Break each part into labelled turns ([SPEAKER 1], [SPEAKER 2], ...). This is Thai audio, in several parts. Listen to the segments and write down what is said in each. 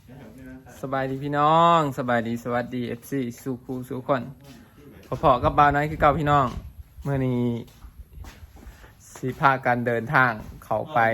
[SPEAKER 1] สบายดีพี่น้องสบายดีสวัสดี FC สู่ครูสู่คนพอๆกับบ่าวน้อยคือเก่าพี่น้องเมื่อนี้สิพากันเดินทางเข้าไป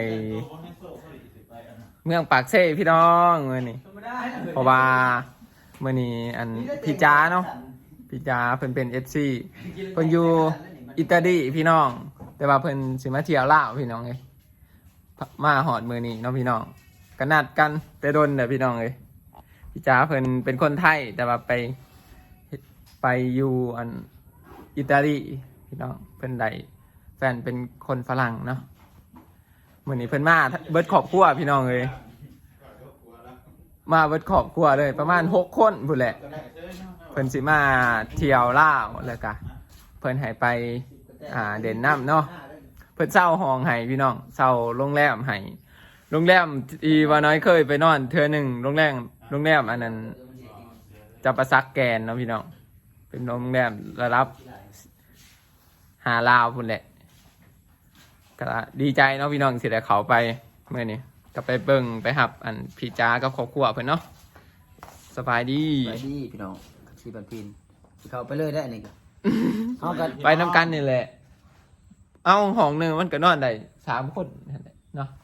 [SPEAKER 1] เมืองปากเซ่พี่น้องเมื่อนี้เพราะว่าเมื่อนี้อันพี่จ้าเนาะพี่จ้าเพิ่นเป็น FC เพิ่นอยู่อิตาลีพี่น้องแต่ว่าเพิ่นสิมาเที่ยวลาวพี่น้องเอ้ยมาฮอดมื้อนี้เนาะพี่น้องก็นัดกันแต่โดนเด้อพี่น้องเอ้ยพี่จ๋าเพิ่นเป็นคนไทยแต่ว่าไปอยู่อันอิตาลีพี่น้องเพิ่นได้แฟนเป็นคนฝรั่งเนาะมื้อนี้เพิ่นมาเบิดครอบครัวพี่น้องเอ้ยมาเบิดครอบครัวเลยประมาณ6คนพุ่นแหละเพิ่นสิมาเที่ยวลาวแล้วก็เพิ่นให้ไปเด่นน้ำเนาะเพิ่นเช่าห้องให้พี่น้องเช่าโรงแรมให้โรงแรมอีว่าน้อยเคยไปนอนเทื่อนึงโรงแรมอันนั้นจะประซักแกนเนาะพี่น้องเป็นโรงแรมระดับ5 ลาวพุ่นแหละก็ดีใจเนาะพี่น้องสิได้เขาไปเมื่อนี้ก็ไปเบิ่งไปหับอันพี่จ้ากับครอบครัวเพิ่นเนาะสบายดี
[SPEAKER 2] พี่น้องสีบันพินเขาไปเลยได้นี่ก็เขากัน
[SPEAKER 1] ไปน้ำกันนี่แหละเอาห้องนึงมันก็นอนได้3 คนนั่นแหละเนาะ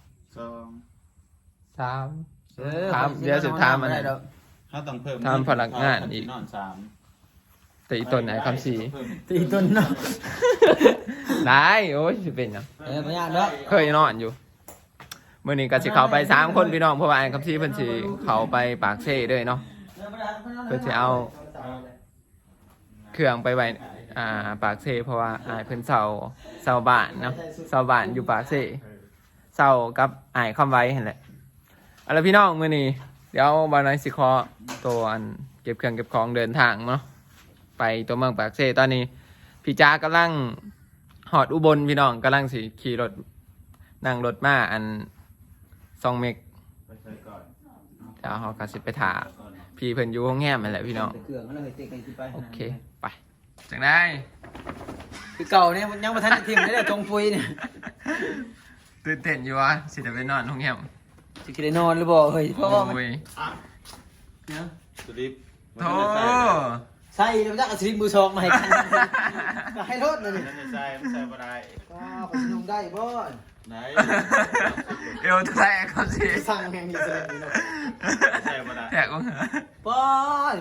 [SPEAKER 1] 3เดี๋ยวสุดท้ายมัน
[SPEAKER 3] ถ้าต้องเพิ่ม
[SPEAKER 1] ทำพลังงานอีก
[SPEAKER 3] นอน
[SPEAKER 1] แต่อีต้นไหนคำสี
[SPEAKER 2] ตีต้นเนาะ
[SPEAKER 1] ได้โอ้ยจะเป็นยัง
[SPEAKER 2] พยานเนาะ
[SPEAKER 1] เคยนอนอยู่เมื่อนี้ก็สิเขาไป3 คนพี่น้องเพราะว่าไอ้คำสีเพิ่นสิเขาไปปากเซ่ด้วยเนาะเพิ่นสิเอาเครื่องไปไว้ปากเซ่เพราะว่าไอ้เพิ่นเสาบ้านเนาะเสาบ้านอยู่ปากเซ่เสากับไอ้คำไว้เห็นแหละเอาล่ะพี่น้องมื้อนี้เดี๋ยวบ่าวน้อยสิขอตัวอันเก็บเครื่องเก็บของเดินทางเนาะไปตัวเมืองปากเซ่ตอนนี้พี่จ้ากำลังหอดอุบลพี่น้องกำลังสิขี่รถนั่งรถมาอัน2 เมกเดี๋ยวเขาก็สิไปถาพี่เพิ่นอยู่ห้องแง้มนั่นแหละพี่น้องโอเคไปจังได้
[SPEAKER 2] คือเก่าเนี่ยยังมาทันทีมได้เลยจงปุยเนี่ย
[SPEAKER 1] ตื่นเต้นอยู่วะสิจะไปนอนห้องแง้ม
[SPEAKER 2] จะกินได้นอนหรือเปล่าเฮ้ยเพราะว่า
[SPEAKER 3] เนี่ยสลิป
[SPEAKER 1] โธ่
[SPEAKER 2] ใส่แล้วจะเอาสลิปมือ2มาให้กันให้รถเลยนี่
[SPEAKER 3] ใส่บ่ได้
[SPEAKER 2] ก็ไปนุ่งได้บ่
[SPEAKER 3] ไหน
[SPEAKER 1] เอวแทกเขาสิ
[SPEAKER 2] สั่งแห่งนี้เลยนี่เนาะ
[SPEAKER 3] ใส่บ่ได้
[SPEAKER 1] แทกว่า
[SPEAKER 2] ป้อน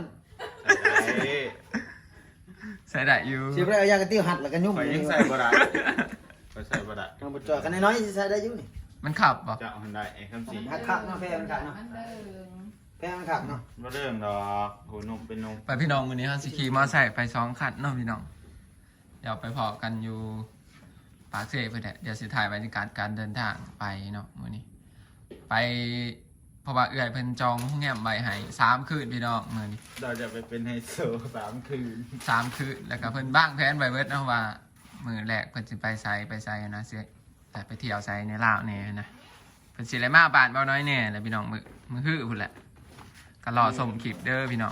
[SPEAKER 1] ใส่ได้อยู่
[SPEAKER 2] สิไปเอายากระติ้วหัดแล้วก็ยุ่ง
[SPEAKER 3] ไปยังใส่บ่ได้ไปใส่บ่ได้
[SPEAKER 2] ต้องบ่จ่อกันน้อยๆใส่ได้อยู่นี่
[SPEAKER 1] มันขับป่ะ
[SPEAKER 3] จะเอาได้คำสี
[SPEAKER 2] ขับเนาะแพงขับเนาะแพงขับเนาะ
[SPEAKER 3] บ่เรื่องดอกโหนุ่มเป็นนุ่ม
[SPEAKER 1] ไปพี่น้องมื้อนี้เฮาสิขี่มอไซค์ไป2 คันเนาะพี่น้องเดี๋ยวไปพอกันอยู่ปากเซ่เพิ่นแหละเดี๋ยวสิถ่ายบรรยากาศการเดินทางไปเนาะมื้อนี้ไปเพราะว่าเอื้อยเพิ่นจองโรงแรมไว้ให้3 คืนพี่น้องมื้อนี้
[SPEAKER 3] เราจะไปเป็นไฮโซ3 คืน
[SPEAKER 1] 3 คืนแล้วก็เพิ่นบ้างแผนไว้เบิดเนาะว่ามื้อแรกเพิ่นสิไปไสนะสิแต่ไปเที่ยวไสในลาวแน่นะเพิ่นสิได้มาบ้านเบาน้อยแน่แล้วพี่น้องมื้อฮื้อพุ่นแหละก็รอส่งคลิปเด้อพี่น้อง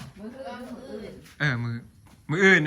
[SPEAKER 1] มื้ออื่น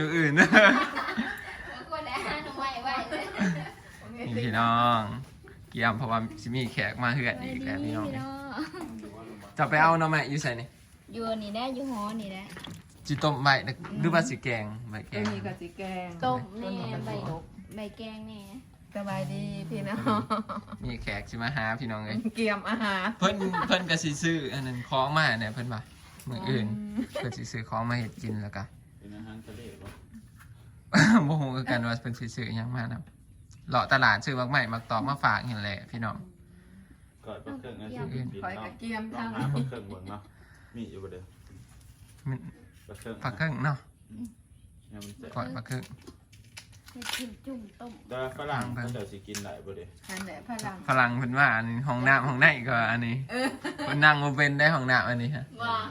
[SPEAKER 1] นี่พี่น้องเกี่ยมเพราะว่าสิมีแขกมาเฮือนอีกแล้วพี่น้องจะไปเอาหน่อไม้อยู่ไสนี่
[SPEAKER 4] อยู่นี่ได้อยู่หอนี่ได้
[SPEAKER 1] จิต้มใบหรือว่าสิแกงใบแกง
[SPEAKER 5] มีกับสิแกง
[SPEAKER 4] ต้มแน่ใบแกงแน่
[SPEAKER 5] สบายดีพี่น้อง
[SPEAKER 1] มีแขกสิมาหาพี่น้องเลย
[SPEAKER 5] เกี่ยมอาหาร
[SPEAKER 1] เพิ่นก็สิซื้ออันนั้นของมาเนี่ยเพิ่นว่ามื้ออื่นเพิ่นสิซื้อของมาเฮ็ดกินแล้วก็
[SPEAKER 3] เป็นอาหารทะเลบ่
[SPEAKER 1] บ่ฮู้คือกันว่าเพิ่นสิซื้อหยังมานํเลาะตลาดซื้อมักใหม่มักตอกมาฝากนี่แหละพี่น้อง
[SPEAKER 3] ก่อนปลาเครื่องนั่น
[SPEAKER 5] คอยกับเกี่ยมทาง
[SPEAKER 3] ปลาเครื่องเบิ่งเนาะมีอยู่บ่เด้อ
[SPEAKER 1] ปลาเครื่องเนาะก่อนปลาเครื่อง
[SPEAKER 4] กินจุ่มต้ม
[SPEAKER 3] แต่ฝรั่งเขาจะสิกินได้บ่เด้
[SPEAKER 5] อันไหน
[SPEAKER 1] ฝรั่งเพิ่นว่าอันนี้ห้องน้ำห้องในก็อันนี้เพิ่นนั่งบ่เป็นได้ห้องน้ำอันนี้ฮะ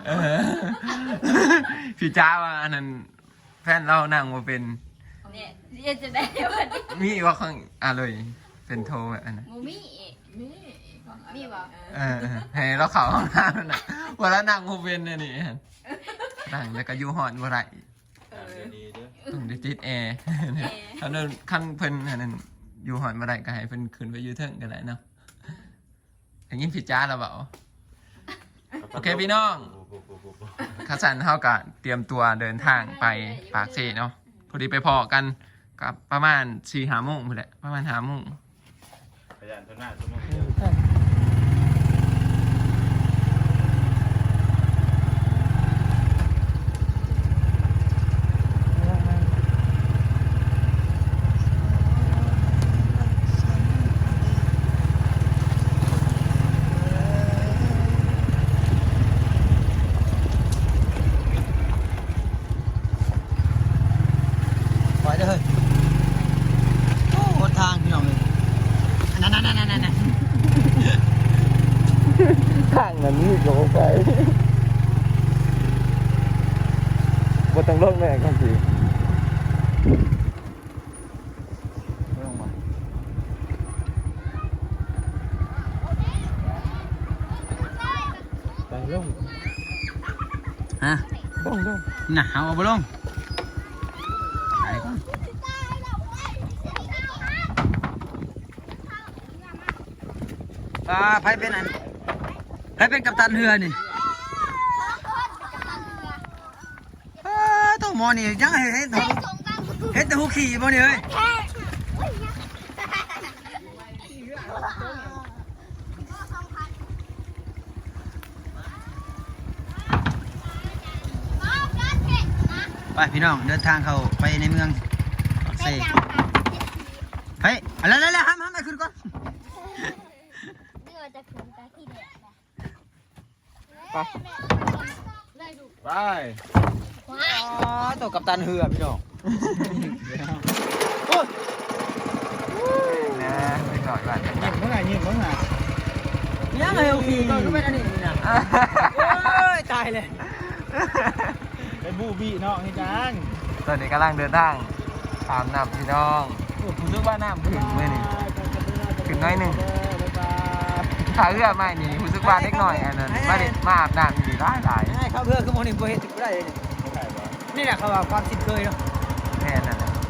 [SPEAKER 1] พี่จ้าว่าอันนั้นแฟนเรานั่งบ่เป็น
[SPEAKER 4] เนี่ยจะได้ว่า
[SPEAKER 1] มีว่าข้างเลยเป็นโทแบบอันนั้น
[SPEAKER 4] มีบ่
[SPEAKER 1] ให้เราเข้าห้องน้ำน่ะว่าแล้วนั่งบ่เป็นนี่นั่งแล้วก็อยู่ฮ้อนบ่ได้ต้องได้ติดแอร์ขั้นเพิ่นอันนั้นอยู่หอนมาได้ก็ให้เพิ่นขึ้นไปอยู่เทิงกันแหละเนาะอย่างนี้พี่จ้าแล้วเปล่าโอเคพี่น้องข้าสันเท่ากับเตรียมตัวเดินทางไปปากเซเนาะพอดีไปพอกันกับประมาณ4-5 โมงพอดีประมาณ5 โมง
[SPEAKER 3] พยานตัวหน้าตัวมึง
[SPEAKER 2] ปล่อยเด้อเฮ้ยโอ้หนทางพี่น้องเลยนั่น
[SPEAKER 1] ข้างนั้นนี่ก็ไปบ่ต้องลงแม่ครับพี่ไปลง
[SPEAKER 2] ฮะ
[SPEAKER 1] ลง
[SPEAKER 2] น่ะเอาบ่ลงไปก่อนไผเป็นอันไผเป็นกัปตันเรือนี่ต้องหมอนี่ยังเห็นแต่หูขี่บ่นี่เอ้ยไปพี่น้องเดินทางเข้าไปในเมืองปากเซ่เฮ้ยอะไรห้ามไปขึ้นก่อน
[SPEAKER 3] ไป
[SPEAKER 2] อ๋อตัวกัปตันเรือพี่น้อง
[SPEAKER 1] นะไปก่อนก่อน
[SPEAKER 2] ยังไงโอเคก็เป็นอันนี้นะโอ้ยตายเลย
[SPEAKER 3] ไปบูบี้เนาะให้จัง
[SPEAKER 1] ตอนนี้กำลังเดินทางตามน้ำพี่น้องรู้สึกว่าน้ำขึ้นเมื่อนี่ขึ้นน้อยหนึ่งถ้าเรือไม่นี่รู้สึกว่าเล็กหน่อยอันนั้นมาอาบน้ำดีหลาย
[SPEAKER 2] ให้เขาเพื่อคือโมนี่บ่เฮ็ดถึงบ่ได้เลยนี่แหละเขาว่าความสินเคยเนาะ
[SPEAKER 1] แค่นั้นแหละ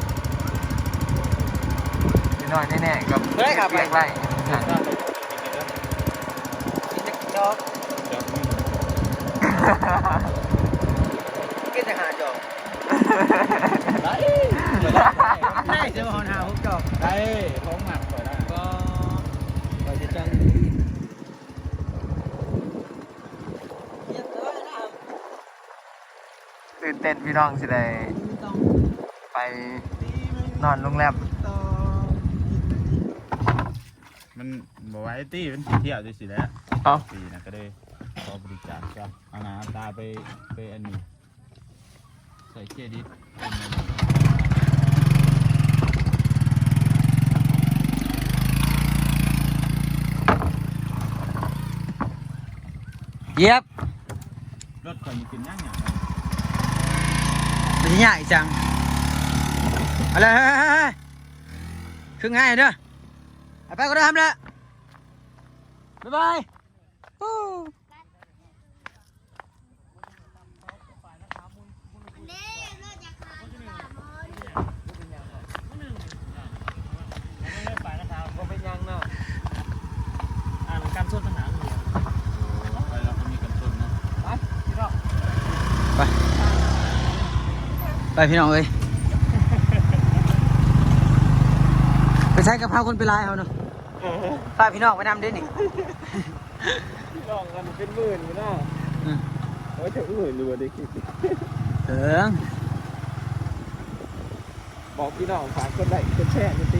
[SPEAKER 1] พี่น้อยแน่ๆกับ
[SPEAKER 2] เฮ้ยครับไป
[SPEAKER 1] เรียกไร
[SPEAKER 2] กินจะจอก
[SPEAKER 3] เดี๋ยวมึง
[SPEAKER 2] กินจะหาจอก
[SPEAKER 3] ได้
[SPEAKER 2] ได้เสือมาหาผมจอก
[SPEAKER 3] ได้ท้องหมักก่อนได้
[SPEAKER 2] ก็ก็จะจังเรียบร้อยนะครับ
[SPEAKER 1] ตื่นเต้นพี่น้องสิได้
[SPEAKER 2] ต้อง
[SPEAKER 1] ไปนอนโรงแรม
[SPEAKER 2] ต่อ
[SPEAKER 3] มันบอกว่าไอ้ตี้มันเที่ยวจะสิแล้ว
[SPEAKER 1] เอ้า
[SPEAKER 3] ปีนะก็ได้ขอบริจาคจ้ะเอาน้ำตาไปอันนี้ใส่เครดิต
[SPEAKER 2] เย็บ
[SPEAKER 3] รถคนกินย่างอย่าง
[SPEAKER 2] มันจะง่ายจังอะไรคือง่ายเด้อไปก็ได้ทำแล้วบ๊ายบายไปพี่น้องเอ้ยไปใช้กะเพราคนไปลายเอาเนาะไปพี่น้องไปนำด้วยนี่
[SPEAKER 1] ลองกันเป็นหมื่นอยู่นะโอ้ยถึงหมื่นอยู่ดิคิด
[SPEAKER 2] เถิง
[SPEAKER 1] บอกพี่น้องฝากคนไลค์คนแชร์นี่ตี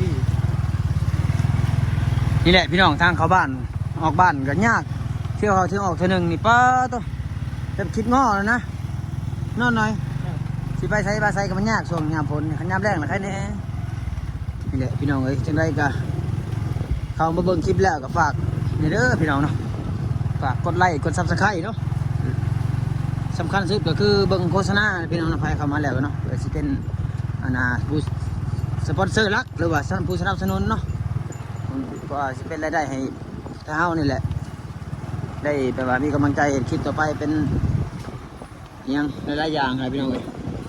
[SPEAKER 2] นี่แหละพี่น้องทางเข้าบ้านออกบ้านก็ยากเที่ยวเขาเที่ยวออกเท่านึงนี่ป้าตัวจะคิดง้อแล้วนะนอนหน่อยสิไปใส่ก็มันยากช่วงยามฝนขันยามแรงนะใครแน่นี่แหละพี่น้องเอ้ยจังไรก็เข้ามาเบิ่งคลิปแล้วก็ฝากนี่เด้อพี่น้องเนาะฝากกดไลค์กดซับสไครต์เนาะสำคัญสุดก็คือเบิ่งโฆษณาพี่น้องนะใครเข้ามาแล้วเนาะเพื่อสิเป็นผู้สปอนเซอร์หลักหรือว่าผู้สนับสนุนเนาะก็สิเป็นรายได้ให้เฮานี่แหละได้แปลว่ามีกำลังใจเห็นคลิปต่อไปเป็นอิหยังหลายๆอย่างอะไรพี่น้องเอ้ย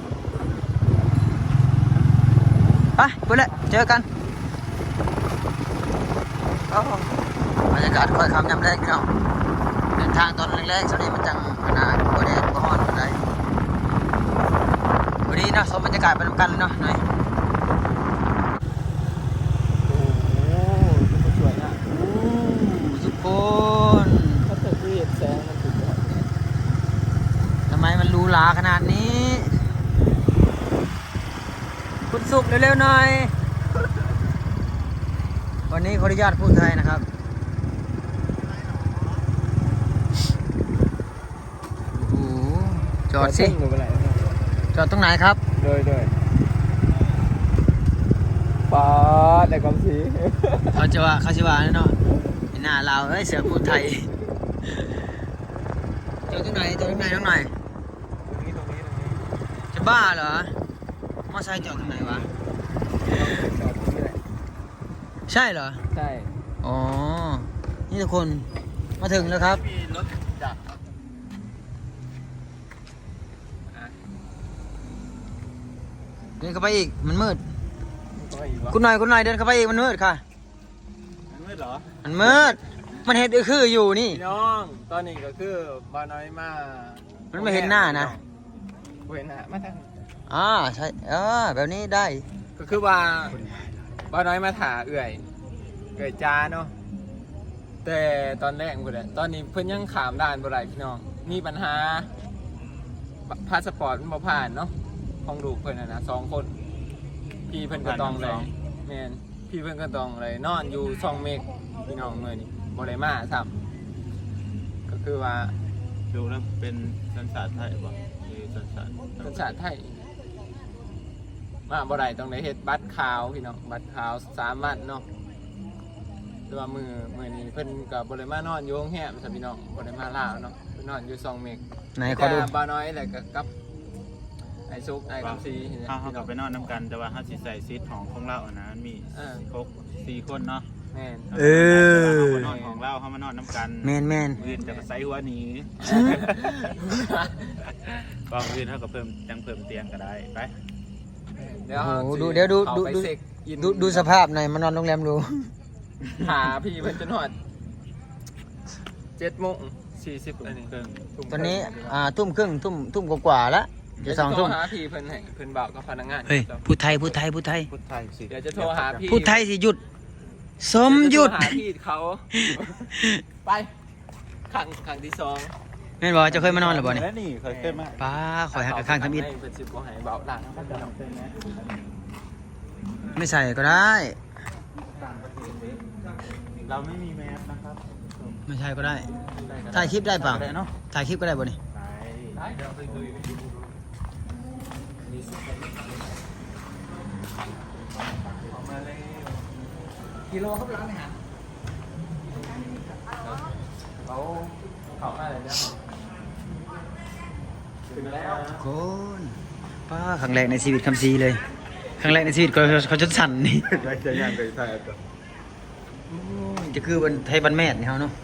[SPEAKER 2] ไปไปเลยเจอกันบรรยากาศค่อยคำยำแรกพี่น้องเดินทางตอนแรกๆช่วงนี้มันจังขนาดบ่แดดบ่ฮ้อนปานใดวันนี้เนาะชมบรรยากาศไปนำกันเลยเนาะหน่อย
[SPEAKER 1] โอ้โหสวยอ่ะ
[SPEAKER 2] ทุกคน
[SPEAKER 1] ถ้าเกิดที่เห็นแสงมันสุดยอด
[SPEAKER 2] ทำไมมันหรูหราขนาดนี้ คุณสุขเร็วๆหน่อย วันนี้ขออนุญาตพูดไทยนะครับโอ้โหจอดสิ
[SPEAKER 1] หรืออะไร
[SPEAKER 2] จอดตรงไหนครับ
[SPEAKER 1] โดยปอดในความสี
[SPEAKER 2] เขาจะว่าเนาะไอ้หน้าเราวเอ้ยเสือพูดไทยจอดตรงไหนน้องหน่อย
[SPEAKER 1] ตรงนี้
[SPEAKER 2] จะบ้าเหรอมอไซค์จอดตรงไหนวะ
[SPEAKER 1] จอดตรงนี้แหละ
[SPEAKER 2] ใช่เหรอ
[SPEAKER 1] ใช่
[SPEAKER 2] อ๋อ นี่ทุกคนมาถึงแล้วครับ
[SPEAKER 3] มีรถจักร
[SPEAKER 2] เดินเข้าไปอีกมันมืด
[SPEAKER 1] ก็อีกวะ
[SPEAKER 2] คุณหน่อยเดินเข้าไปอีกมันมืดค่ะ
[SPEAKER 3] มันมืดเหรอ
[SPEAKER 2] มันมืด มันเห็นคืออยู่นี่
[SPEAKER 1] พี่น้องตอนนี้ก็คือบ้านน้อยมา
[SPEAKER 2] มันไม่เห็นหน้านะ
[SPEAKER 1] ไม่เห็นหน้ามาทาง
[SPEAKER 2] ใช่แบบนี้ได้
[SPEAKER 1] ก็คือว่าบ้านน้อยมาถาเอื่อยจ้าเนาะแต่ตอนแรกพุ่นแหละตอนนี้เพิ่นยังขามด่านบ่ได้พี่น้องมีปัญหาพาสปอร์ตมันบ่ผ่านเนาะของลูกเพิ่นน่ะนะ2 คนพี่เพิ่นก็ต้องเลยแม่นพี่เพิ่นก็ต้องเลยนอนอยู่2 เมกพี่น้องมื้อนี้บ่ได้มาซ้ำก็คือว่า
[SPEAKER 3] ดูแล้วเป็นสัญชาติไทยป่ะคือสัญชาติ
[SPEAKER 1] สัญชาติไทยมาบ่ได้ต้องได้เฮ็ดบัตรขาวพี่น้องบัตรขาว3 วันเนาะแต่ว่ามื้อนี้เพิ่นก็บ่ได้มานอนอยู่โรงแรมซะพี่น้องบ่ได้มาลาวเนาะเพิ่นนอนอยู่2 เมก
[SPEAKER 2] ไหนขอดู
[SPEAKER 1] แต่บ่าวน้อยแล้วก็กับไอ้ซุกไอ้คำซีนี่แหละ
[SPEAKER 3] เขากลับไปนอนน้ำกันแต่ว่าเขาสิใส่ซีทของเราอะนะมันมีครบ4 คนเนาะ
[SPEAKER 1] แม่น
[SPEAKER 3] เขามานอนของเราเขามานอนน้ำกัน
[SPEAKER 2] แมน
[SPEAKER 3] อื่นจะใส่หัวหนีบางอื่นเขาก็เพิ่มเตียงก็ได้ไป
[SPEAKER 1] เดี๋ยว
[SPEAKER 2] โอ้โห
[SPEAKER 1] สิ
[SPEAKER 2] เดี๋ยวดู
[SPEAKER 1] เข้าไปเซ็กอิน
[SPEAKER 2] ดูสภาพหน่อยมานอนโรงแรมดู
[SPEAKER 1] หาพี่เพิ่นจนฮอด7:40อันนี้
[SPEAKER 2] ตอนนี้ทุ่มครึ่งทุ่มกว่าๆแล้วจะ2 ทุ่ม
[SPEAKER 1] หาพี่เพิ่นให้เพิ่นบอกกับพนักงาน
[SPEAKER 2] เฮ้ยพูดไทย
[SPEAKER 3] พุทธไทยสิ
[SPEAKER 1] เดี๋ยวจะโทรหาพี่
[SPEAKER 2] พูดไทยสิหยุด สมหยุด
[SPEAKER 1] เดี๋วจะโทรหาพี่เขา ไปขังที่2
[SPEAKER 2] แม่นบอกว่าจะเคยมานอนหรือเปล่าเนี่ย
[SPEAKER 3] แล้วนี่เคยขึ้นมา
[SPEAKER 2] ป้าคอยหักกับข้างทำอิฐ
[SPEAKER 1] ให้เพิ่นสิบ่ให้เบาหลัง
[SPEAKER 2] ไม่ใส่ก็ได้
[SPEAKER 3] เราไม่มีแมสนะครับ
[SPEAKER 2] ไม่ใช่ก็ได้ ถ่ายคลิปได้เปล่า
[SPEAKER 3] ได้เนาะ
[SPEAKER 2] ถ่ายคลิปก็ได้บ่นี่
[SPEAKER 3] ได้
[SPEAKER 1] เดี๋ยวไปดูกิโลครับร้านอาหารเขามาเลยนะถึงแล้ว
[SPEAKER 2] คนป้าครั้งแรกในชีวิตคำซีเลย ครั้งแรกในชีวิตเขาจนสั่นนี่
[SPEAKER 3] ได้จะย่างไปไทยก่อน
[SPEAKER 2] โอ้ยจะคือวันไทยบันแม่นี่เขาเนาะ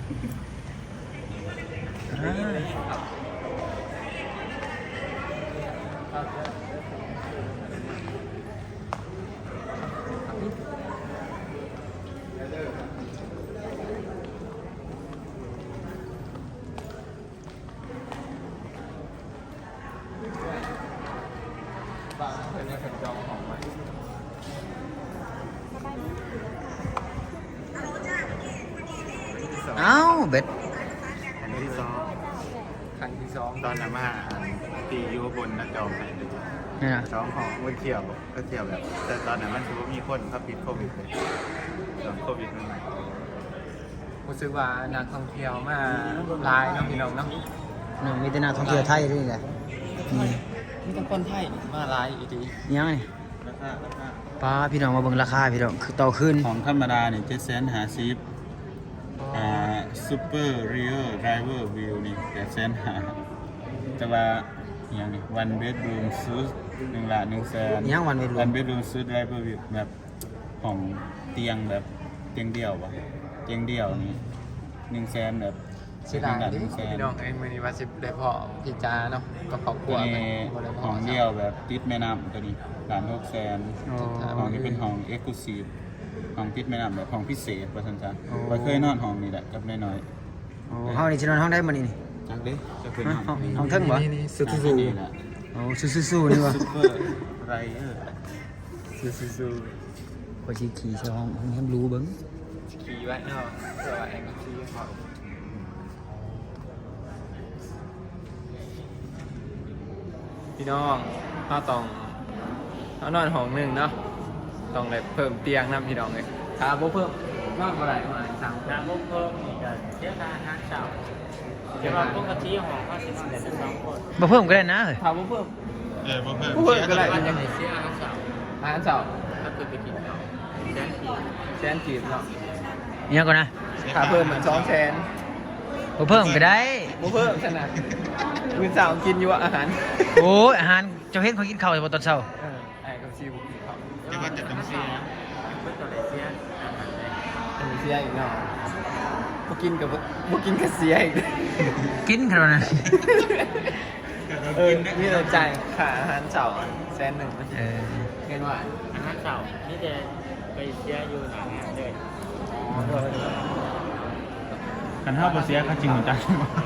[SPEAKER 2] เอ้าเบ็ด
[SPEAKER 3] อันที่สอง
[SPEAKER 1] ครั้งที่ 2
[SPEAKER 3] ตอนนั้นมาตีอยู่บนนักจองให้เลย
[SPEAKER 2] นี่นะ
[SPEAKER 3] สองของวันเที่ยวก็เที่ยวแบบแต่ตอนนั้นมันถือว่ามีคนเขาปิดโควิดเลยตอนโควิดใหม่
[SPEAKER 1] รู้สึกว่านักท่องเที่ยวมาหลายเนาะพี่น้องเนาะ
[SPEAKER 2] นี่มีแต่นักท่องเที่ยวไทยด้วยนี่แหละนี่
[SPEAKER 1] มีแต่คนไทยมาหลายอีดี
[SPEAKER 2] ยังไง
[SPEAKER 3] ๆราคา
[SPEAKER 2] ป้าพี่น้องมาเบิ่งราคาพี่น้องคือต่อขึ้น
[SPEAKER 3] ของธรรมดาเนี่ย750,000ซูเปอร์เรียลไดรเวอร์วิวนี่850,000แต่ว่าอย่างนี้วันเบดรูมซูท1,100,000
[SPEAKER 2] ยังวันไม่รว
[SPEAKER 3] วั
[SPEAKER 2] ม
[SPEAKER 3] นเบดรูมซูทไดรเวอร์วิวแบบของเตียงแบบเตียงเดี่ยววะเตียงเดี่ยวนี่100,000แบบ
[SPEAKER 1] สิหลาย
[SPEAKER 3] 1,100,000
[SPEAKER 1] ดิพี่น้องมื้อนี้ว่าสิได้พอพี่จาเนาะก็ครอบครั
[SPEAKER 3] ตัว ว
[SPEAKER 1] ไป
[SPEAKER 3] นี้
[SPEAKER 1] บ่ได้พ
[SPEAKER 3] ห้องเดียวแบบติดแม่น้ำตัวนี้1,600,000
[SPEAKER 2] อ๋อ
[SPEAKER 3] ห้องนี้เป็นห้องเอ็กซ์คลูซีฟห้องติดแม่น้ำแบบห้องพิเศษว่าซั่นจ้ะ
[SPEAKER 2] อ๋อ
[SPEAKER 3] ว่าเคยนอนห้องนี้แหละกับน้อย
[SPEAKER 2] อโอ้ห้องนี้สินอนห้องได้มื้อนี้นี่
[SPEAKER 3] จักดิจะเป็น
[SPEAKER 2] ห้องเทิงบ่
[SPEAKER 1] นี่สู้
[SPEAKER 3] นี่แหละ
[SPEAKER 2] โอ้สู้ๆนี่บ่
[SPEAKER 3] ซุปเปอร์ไรเออร์
[SPEAKER 1] สู้
[SPEAKER 2] พอสิขี่ใส่ห้องให้มันรู้เบิ่ง
[SPEAKER 1] ขี่ไว้เนาะเพื่อว่าแองขี่เขาพี่น้องถ้าต้องถ้านอนห้องหนึ่งเนาะต้องเลยเพิ่มเตียงนะพี่น้องเลยถ้าบ่เพิ่มนอนบ่ได้มาสั่ง
[SPEAKER 6] น้ำมุกเพิ่มอีกเสียค่าอาหารเช้าเดี๋ยวว่าปกติของเขาสินอนแต่ละ2 คน
[SPEAKER 2] บ่เพิ่มก็ได้นะเฮ้ย
[SPEAKER 1] ถ้าบ่เพิ่ม
[SPEAKER 3] บ่เพิ่ม
[SPEAKER 1] บ่เพิ่มก็ได้
[SPEAKER 6] ว่า
[SPEAKER 1] มัน
[SPEAKER 6] จะ
[SPEAKER 1] ยัง
[SPEAKER 6] ไหนเสียอาหารเช้า
[SPEAKER 1] อาหารเช้า
[SPEAKER 6] ถ้าเกิดไปกินข้าวแสนสี่
[SPEAKER 1] แสนกีบเนาะ
[SPEAKER 2] อิหยังก่อนนะ
[SPEAKER 1] ถ้าเพิ่มเหมือน2แสน
[SPEAKER 2] บ่เพิ่มก็ได้
[SPEAKER 1] บ่เพิ่มขนาดมื้อเช้ากินอยู่อาหาร
[SPEAKER 2] โอ้ยอาหารเจ้าเฮ็ดเขากินข้าวบ่ตอนเช้า
[SPEAKER 1] ไอ้กับซีบุกินเขา
[SPEAKER 3] จะว่าจะต้องเสีย
[SPEAKER 6] เพื่อตัวไหนเสียอาหารแดง
[SPEAKER 1] อันนี้เสียอีกเนาะบ่กินกับบ่กินกับเสียอีก
[SPEAKER 2] กินขนาดนั้น
[SPEAKER 1] นี่เราจ่ายค่าอาหารเช้าแสนหนึ่ง
[SPEAKER 2] เออ
[SPEAKER 1] เงินว่า
[SPEAKER 6] อาหารเช้านี่จะไปเสียอยู่หน้างานเลย
[SPEAKER 3] กันเท่าบ่เสียเขาจริงจัง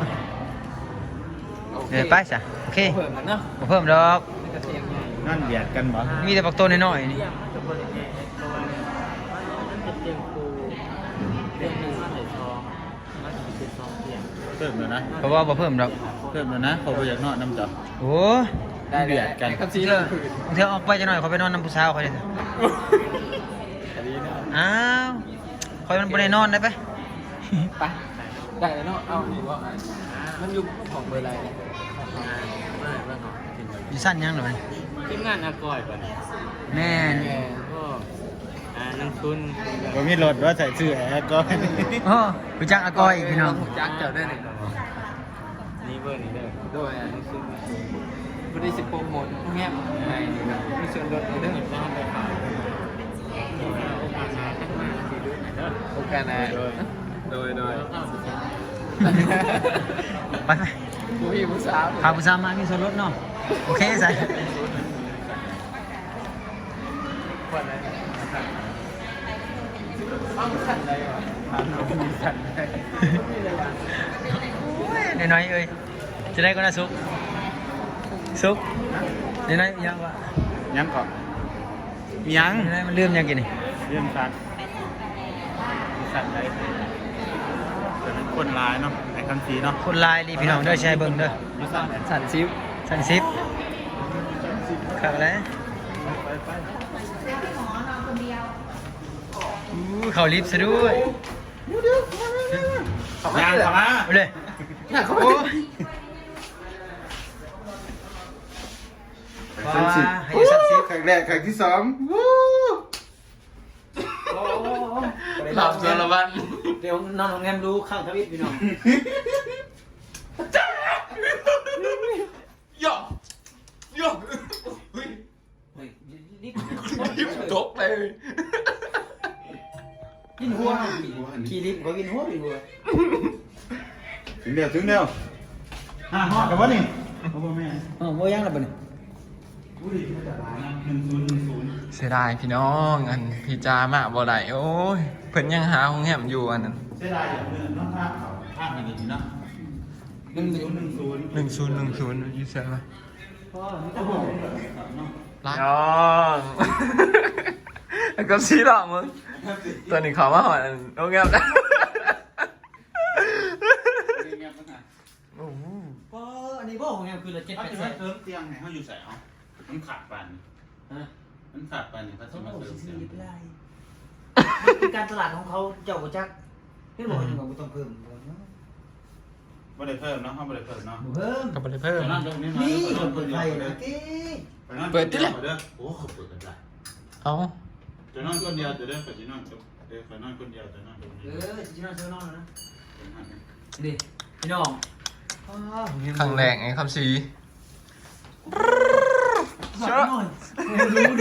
[SPEAKER 2] ไปซะโอเค
[SPEAKER 1] เพิ่มมันเนาะ
[SPEAKER 2] บ่เพิ่มดอก
[SPEAKER 1] นี่ก็เตียงใหญ่
[SPEAKER 3] นั่นเบียดกันบ่
[SPEAKER 2] มีแต่ปักโตน้อยๆนี่
[SPEAKER 6] เรียกมันจะบริเวณตัวมันเป็นเตียงปูเตียงหนึ่งมันเลยทองมันจะเป็น2 เตียง
[SPEAKER 3] เพิ่มแล้วนะ
[SPEAKER 2] เพราะว่าบ่เพิ่มดอก
[SPEAKER 3] เพิ่มแล้วนะเขาบ่อยากนอนน้ำจับ
[SPEAKER 2] โอ้
[SPEAKER 1] ได้เดือดกันกับซี
[SPEAKER 2] เธ
[SPEAKER 1] เล
[SPEAKER 2] อย เธอออกไปจังหน่อยเขาไปนอนน้ำผู้สาวเขาเลย
[SPEAKER 1] ดีเนาะ
[SPEAKER 2] อ้าวคอยมันบ่ได้นอนได้ปะ
[SPEAKER 1] ไปได้แล้วเนาะเอานี่ว่ามันอยู่ของเบอร์อะไรเนี่ย
[SPEAKER 6] ไม่เพื่อนของกินไป
[SPEAKER 2] อยู่สั้นยังหน่อย
[SPEAKER 6] ทีมงานอากอยก่อน
[SPEAKER 2] แม่น
[SPEAKER 6] ก็นังทุน
[SPEAKER 3] บ่มีรถว่าใส่ชื่อแอร์ก่อน
[SPEAKER 2] โอ้รู้จักอากอยอีกพี่น้อง
[SPEAKER 1] จักเจ้าได้หนึ่ง
[SPEAKER 6] นี่เบอร์นี้เด้อ
[SPEAKER 1] โดยผู้ได้สิบโปรโมทเงียบในมีส่วนลดในเรื่อง
[SPEAKER 6] ต้องไปขายโอกาสหน้าข้างหน้าสิดูหน่อยเด้อ
[SPEAKER 1] โอกาสนะโดย
[SPEAKER 6] แล้วก็สิ
[SPEAKER 2] ไป
[SPEAKER 1] ผู้พี่ผู้สาว
[SPEAKER 2] พาผู้สาวมามีส่วนลดเนาะโอเคใส่
[SPEAKER 1] คนนั้นต้องขันอะไรวะถามเรามีขันได้
[SPEAKER 2] น้อยๆเอ้ยจะได้ก็น่าสุกสุกน้อยๆยังวะ
[SPEAKER 3] ยังก่อนมียัง
[SPEAKER 2] น้อยๆมันเริ่มยังกินนี่
[SPEAKER 3] เรื่องสัตว์สัตว์ใดแต่เป็นคนร้ายเนาะไอ้คำสีเนาะ
[SPEAKER 2] คนลายรีพี่น้องเด้อใช้เบิ่งเด้อ
[SPEAKER 1] สันซิว
[SPEAKER 2] สั้นซิปขับอะไรเขาลิฟต์ซะด้วย
[SPEAKER 3] ยางเข้ามา
[SPEAKER 2] เอาเลย
[SPEAKER 1] อยากเขา
[SPEAKER 2] โอ้
[SPEAKER 3] ครั้งสิบ
[SPEAKER 2] ให้สั้นซิป
[SPEAKER 3] ครั้งแรกครั้งที่สองวู้
[SPEAKER 1] หลับสารวัตร
[SPEAKER 2] เดี๋ยวนอนโรงแรมดูข้างทวิตพี่น้อง
[SPEAKER 1] ย่อจบเลย
[SPEAKER 2] กินหัวขี่ลิฟต์เขากินหัวกินหัว
[SPEAKER 3] ถึงเดียวหอดกับวะนี่เขาบอกแม่
[SPEAKER 2] อ๋อโมยังแล้วบ่นี่
[SPEAKER 1] เสียดายพี่น้องอันพี่จามาบ่ได้โอ้ยเพิ่นยังหาห้องแหมอยู่อันนั้น
[SPEAKER 3] เสียดายอย่างเดิมน้องภาพเขาภาพดีๆเนาะ1010
[SPEAKER 1] 1010อยู่เซ่ป่ะ
[SPEAKER 3] โอ้โห
[SPEAKER 1] น้องแล้วก็ซีหรอมึงตอนนี้เขามาหอนโรงแรมได้โอ้โห
[SPEAKER 2] ก็อันนี้บ่โรงแรมคือละ
[SPEAKER 3] เขาจะมาเติมเตียงให้เขาอยู่ใส่เอามันขาดปัน
[SPEAKER 2] ฮะ
[SPEAKER 3] มันขาดปันเนี่ยเขาจะมาเติมเตียง
[SPEAKER 2] เป็นการตลาดของเขาเจ้าบ่จักเฮ็ดบ่จังว่าบ่ต้องเพิ่ม
[SPEAKER 3] บ่ได้เพิ่มเนาะเขาบ่ได้เพิ่มเนาะ
[SPEAKER 2] บ่เพิ่ม
[SPEAKER 1] ก็บ่ได้เพิ่ม
[SPEAKER 3] นั่นตรงนี้
[SPEAKER 2] นี่
[SPEAKER 3] เปิด
[SPEAKER 2] เปิดไฟ
[SPEAKER 3] เด้
[SPEAKER 2] นะ
[SPEAKER 3] อ
[SPEAKER 2] ติ
[SPEAKER 1] เปิดที่ไหน
[SPEAKER 3] โอ้เขาเปิดกันได้
[SPEAKER 1] เอา
[SPEAKER 3] จะนอนคนเดียวจะได้ไปนอนกับเดี๋ยวไปนอนคนเดียวจะนอนตรงนี้
[SPEAKER 2] สินอนเซนอนนะดิพี่น้อง
[SPEAKER 1] ครั้งแรกไอ้คำซี
[SPEAKER 2] ชอบรู้ดิ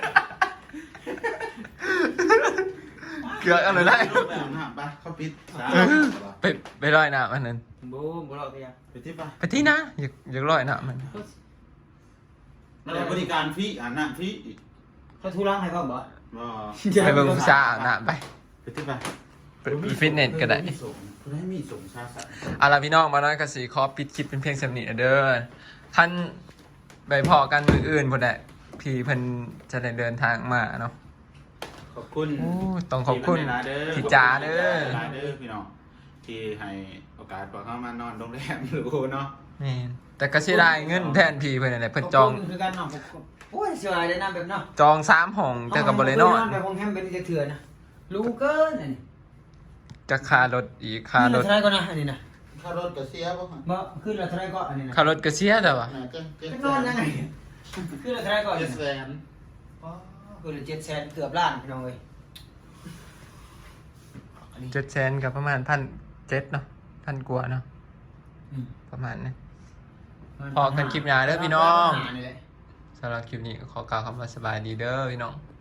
[SPEAKER 1] เกือบอะไรได้
[SPEAKER 3] ไปอาบน้ำไปเขาปิด
[SPEAKER 1] ไปลอยน้ำอันนั้น
[SPEAKER 2] บ่บ่รอพี่อ่ะ
[SPEAKER 3] ไปที่ไป
[SPEAKER 1] ไปที่นะอยากลอยน้ำมัน
[SPEAKER 3] แล้วบริการฟรีอาบน้ำฟรีอีก
[SPEAKER 2] เขาทุรังให้พ่อมบ่
[SPEAKER 3] บ่
[SPEAKER 1] ไปเบิ่งผู้สาวอาบน้ำไป
[SPEAKER 3] ไปที่ไป
[SPEAKER 1] ไปฟิตเนสก็ได้
[SPEAKER 3] ผู้คุณให้มีสงชาสัตว์
[SPEAKER 1] เอาล่ะพี่น้องมาน้อยกสีขอปิดคลิปเป็นเพียงสำนีเด้อท่านไปพอกันมืออื่นพุ่นแหละพี่เพิ่นจะได้เดินทางมาเนาะ
[SPEAKER 3] ขอบคุณ
[SPEAKER 1] โอ้ต้องขอบคุณ
[SPEAKER 3] พี่
[SPEAKER 1] พี่จ๋าเด้อ
[SPEAKER 3] พี่น้องที่ให้โอกาสพอเข้ามานอนโรงแรมหรูเนาะ
[SPEAKER 1] นี่แต่ก็เสียดายเงินแทนพี่เพิ่นนั่นแหละเพิ่นจอง
[SPEAKER 2] ขบคุณคือการนอนโอ้ยเสียดายได้นำแบบเนาะ
[SPEAKER 1] จอง3ห้องแต่ก็บ่ได้นอน
[SPEAKER 2] แบบห้องแฮมเป็นจะเถื่อนนะรู้เกินอันนี้
[SPEAKER 1] จะค่ารถอีกค่ารถ
[SPEAKER 2] เท่าไหรก็นะอันนี้นะ
[SPEAKER 3] ค่ารถก็เสียบ่ฮะ
[SPEAKER 2] บ่ขึ้นละเท่าไหรก็อันนี้นะ
[SPEAKER 1] ค่ารถก็เสียแต่ว่า
[SPEAKER 3] น่าจะเจ็ด
[SPEAKER 2] จะ
[SPEAKER 3] แส
[SPEAKER 2] นอน
[SPEAKER 3] น
[SPEAKER 2] ยังไงขึ้นละเท่าไหรก็อัน
[SPEAKER 3] เจ็
[SPEAKER 2] นี้
[SPEAKER 3] ดแส
[SPEAKER 2] นะ
[SPEAKER 3] น
[SPEAKER 2] อ๋อขึ้นละ700,000เกือบล้านพี่น้องเอ้ย
[SPEAKER 1] 700,000กับประมาณ1,700เนาะ1,000กว่าเนาะประมาณนี้ พอกันคลิปหน้าเด้อพี่น้อง
[SPEAKER 2] นี่แหละ
[SPEAKER 1] สำหรับคลิปนี้ก็ขอกล่าวคำว่าสบายดีเด้อพี่น้อง